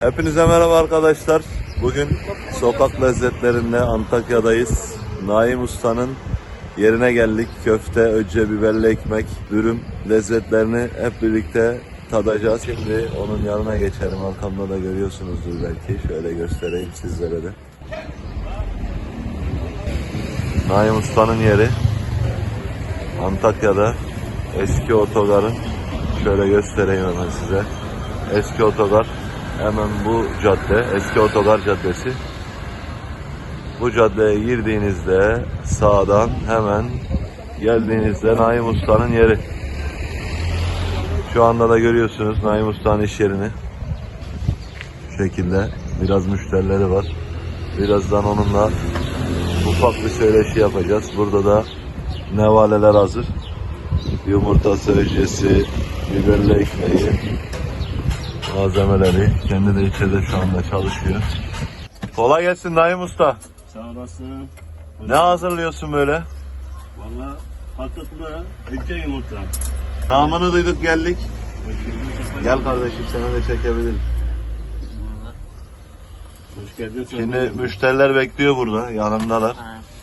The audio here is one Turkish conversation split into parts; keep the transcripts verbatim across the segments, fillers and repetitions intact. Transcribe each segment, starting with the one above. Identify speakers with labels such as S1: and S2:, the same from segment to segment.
S1: Hepinize merhaba arkadaşlar. Bugün sokak lezzetlerinde Antakya'dayız. Naim Usta'nın yerine geldik. Köfte, öcce, biberli ekmek, dürüm lezzetlerini hep birlikte tadacağız. Şimdi onun yanına geçelim. Arkamda da görüyorsunuzdur belki. Şöyle göstereyim sizlere de. Naim Usta'nın yeri Antakya'da, eski otogarın. Şöyle göstereyim hemen size. Eski otogar. Hemen bu cadde, eski otogar caddesi. Bu caddeye girdiğinizde sağdan hemen geldiğinizde Naim Usta'nın yeri. Şu anda da görüyorsunuz Naim Usta'nın iş yerini. Bu şekilde biraz müşterileri var. Birazdan onunla ufak bir söyleşi yapacağız. Burada da nevaleler hazır. Yumurtası, öccesi, biberli ekmeği, malzemeleri. Kendi de içeride şu anda çalışıyor. Kolay gelsin Naim Usta.
S2: Sağ olasın.
S1: Ne hazırlıyorsun böyle?
S2: Valla patatlı öcce yumurta.
S1: Namını duyduk geldik. Gel kardeşim seni de çekebilirim.
S2: Hoş geldin.
S1: Şimdi müşteriler bekliyor burada. Yanımdalar.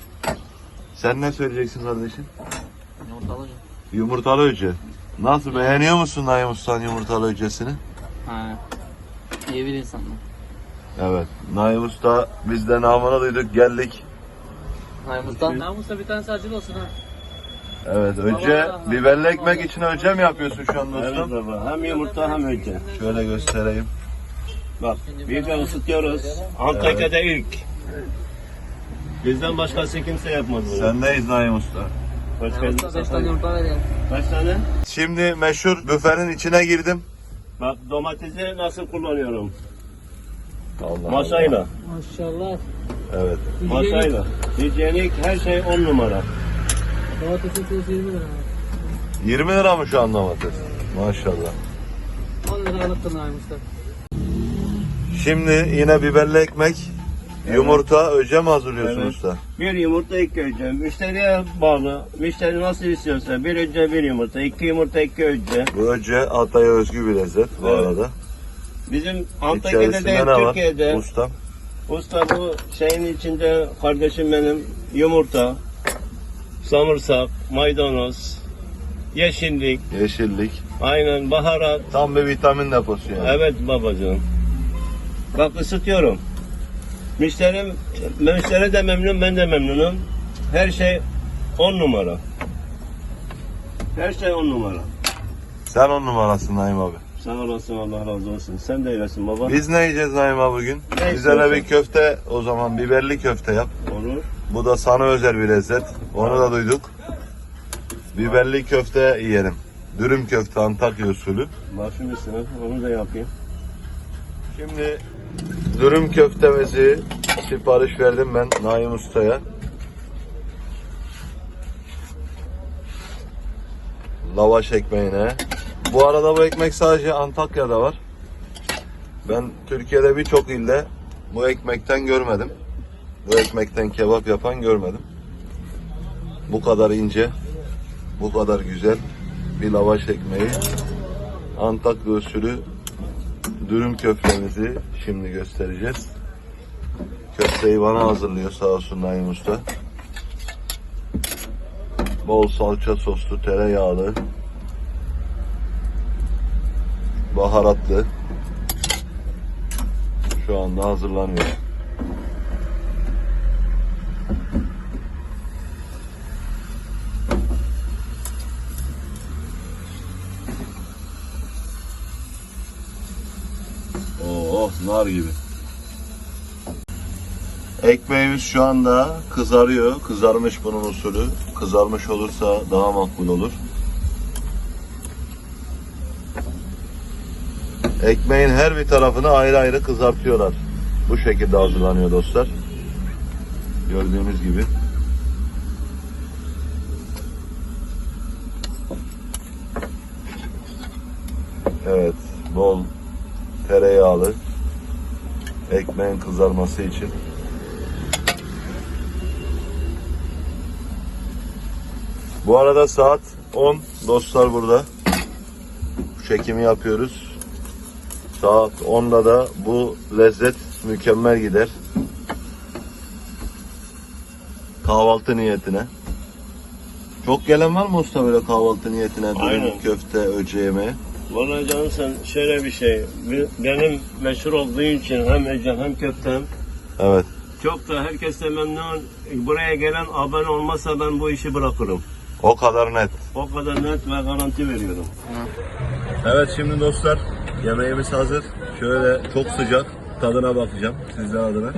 S1: Sen ne söyleyeceksin kardeşim?
S3: Yumurtalı.
S1: Yumurtalı öcce. Nasıl, beğeniyor musun Naim Usta'nın yumurtalı öccesini?
S3: Ha. İyi bir insan mı?
S1: Evet. Naim Usta, biz de namını duyduk geldik.
S3: Namus'tan. Namus'ta bir tane acil olsun ha.
S1: Evet, öcce, biberli ekmek için öcce mi yapıyorsun şu anda
S2: Evet
S1: ustam?
S2: baba. Hem yumurta hem öcce.
S1: Şöyle göstereyim.
S2: Bak bir de ısıtıyoruz. Antakya'da ilk. Bizden başkası kimse yapmaz bunu.
S1: Sendeyiz Naim Usta.
S2: Hoş
S3: Namus'ta beş tane
S2: geldin.
S3: yumurta veriyorum.
S2: Kaç tane?
S1: Şimdi meşhur büfenin içine girdim.
S2: Bak domatesi nasıl kullanıyorum.
S1: Allah
S2: Maşayla.
S3: Maşallah.
S1: Evet.
S2: Maşayla. Hijyenik her şey on numara.
S3: Domatesin kilosu yirmi lira.
S1: yirmi lira mı şu an domates? Maşallah.
S3: on lira alıktır Namus'ta.
S1: Şimdi yine biberli ekmek, yumurta, öcce mi hazırlıyorsun
S2: Evet.
S1: usta?
S2: Bir yumurta iki öcce. Müşteriye bağlı. Müşteri nasıl istiyorsa bir öcce bir yumurta. iki yumurta iki öcce.
S1: Bu öcce Altay'a özgü bir lezzet bu
S2: Evet.
S1: arada.
S2: Bizim Antakya'da
S1: İçerisinde
S2: değil
S1: ne var
S2: Türkiye'de.
S1: ustam?
S2: Usta bu şeyin içinde kardeşim benim yumurta, samırsak, maydanoz, yeşillik,
S1: Yeşillik.
S2: aynen baharat.
S1: Tam bir vitamin deposu yani.
S2: Evet babacığım. Bak ısıtıyorum. Müşterim, müşteri de memnun, ben de memnunum. Her şey on numara. Her şey on numara.
S1: Sen on numarasın Naim abi.
S2: Sağ olasın, Allah razı olsun. Sen de öylesin baba.
S1: Biz ne yiyeceğiz Naim abi bugün?
S2: Ne
S1: Bize de bir
S2: istiyorsun?
S1: köfte, o zaman biberli köfte yap.
S2: Olur.
S1: Bu da sana özel bir lezzet. Onu da duyduk. Biberli köfte yiyelim. Dürüm köfte Antakya usulü.
S2: Başım üstüne, onu da yapayım.
S1: Şimdi dürüm köftemizi sipariş verdim ben Naim Usta'ya. Lavaş ekmeğine. Bu arada bu ekmek sadece Antakya'da var. Ben Türkiye'de birçok ilde bu ekmekten görmedim. Bu ekmekten kebap yapan görmedim. Bu kadar ince, bu kadar güzel bir lavaş ekmeği. Antakya usulü dürüm köftemizi şimdi göstereceğiz. Köfteyi bana hazırlıyor sağ olsun Naim Usta. Bol salça soslu, tereyağlı, baharatlı. Şu anda hazırlanıyor. Oh, nar gibi. Ekmeğimiz şu anda kızarıyor. Kızarmış bunun usulü. Kızarmış olursa daha makbul olur. Ekmeğin her bir tarafını ayrı ayrı kızartıyorlar. Bu şekilde hazırlanıyor dostlar. Gördüğünüz gibi. Evet, bol tereyağlı ekmeğin kızarması için. Bu arada saat on dostlar burada. Bu çekimi yapıyoruz. Saat onda da bu lezzet mükemmel gider. Kahvaltı niyetine. Çok gelen var mı usta böyle kahvaltı niyetine? Dürüm,
S2: Aynen.
S1: köfte, öğle yemeği.
S2: Vallahi canım sen şöyle bir şey. Benim meşhur olduğu için hem ecem hem köftem.
S1: Evet.
S2: Çok da herkes de memnun. Buraya gelen abone olmazsa ben bu işi bırakırım.
S1: O kadar net.
S2: O kadar net ve garanti veriyorum.
S1: Evet şimdi dostlar yemeğimiz hazır. Şöyle çok sıcak tadına bakacağım sizler adına.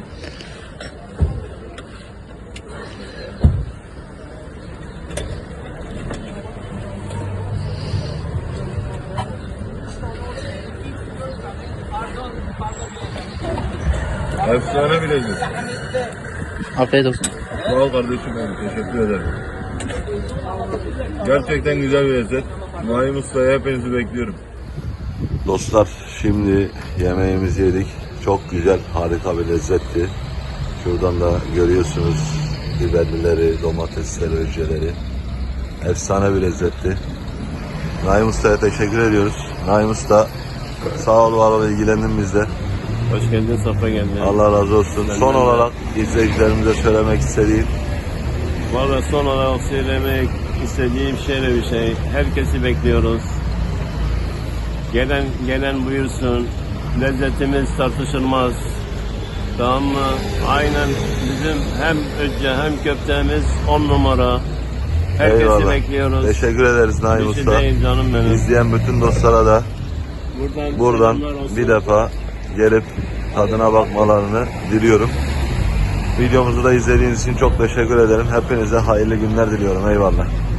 S1: Efsane bir lezzet.
S3: Afiyet olsun.
S1: Sağ ol kardeşim benim. Teşekkür ederim. Gerçekten güzel bir lezzet. Naim Usta'ya hepinizi bekliyorum. Dostlar şimdi yemeğimizi yedik. Çok güzel, harika bir lezzetti. Şuradan da görüyorsunuz biberlileri, domatesleri, öceleri. Efsane bir lezzetti. Naim Usta'ya teşekkür ediyoruz. Naim Usta sağ ol, var ol, ilgilendin bizle.
S2: Hoş geldin, safa geldin.
S1: Allah razı olsun.
S2: Ben
S1: Son
S2: de-
S1: olarak izleyicilerimize söylemek istediğim
S2: Valla son olarak söylemek istediğim şöyle bir şey. Herkesi bekliyoruz. Gelen gelen buyursun. Lezzetimiz tartışılmaz. Tamam mı? Aynen bizim hem öcce hem köftemiz on numara. Herkesi
S1: eyvallah.
S2: bekliyoruz.
S1: Teşekkür ederiz Naim
S2: Bir şey
S1: Usta.
S2: değil canım benim.
S1: İzleyen bütün dostlara da
S2: Buradan,
S1: buradan
S2: selamlar olsun.
S1: bir defa gelip tadına bakmalarını diliyorum. Videomuzu da izlediğiniz için çok teşekkür ederim. Hepinize hayırlı günler diliyorum. Eyvallah.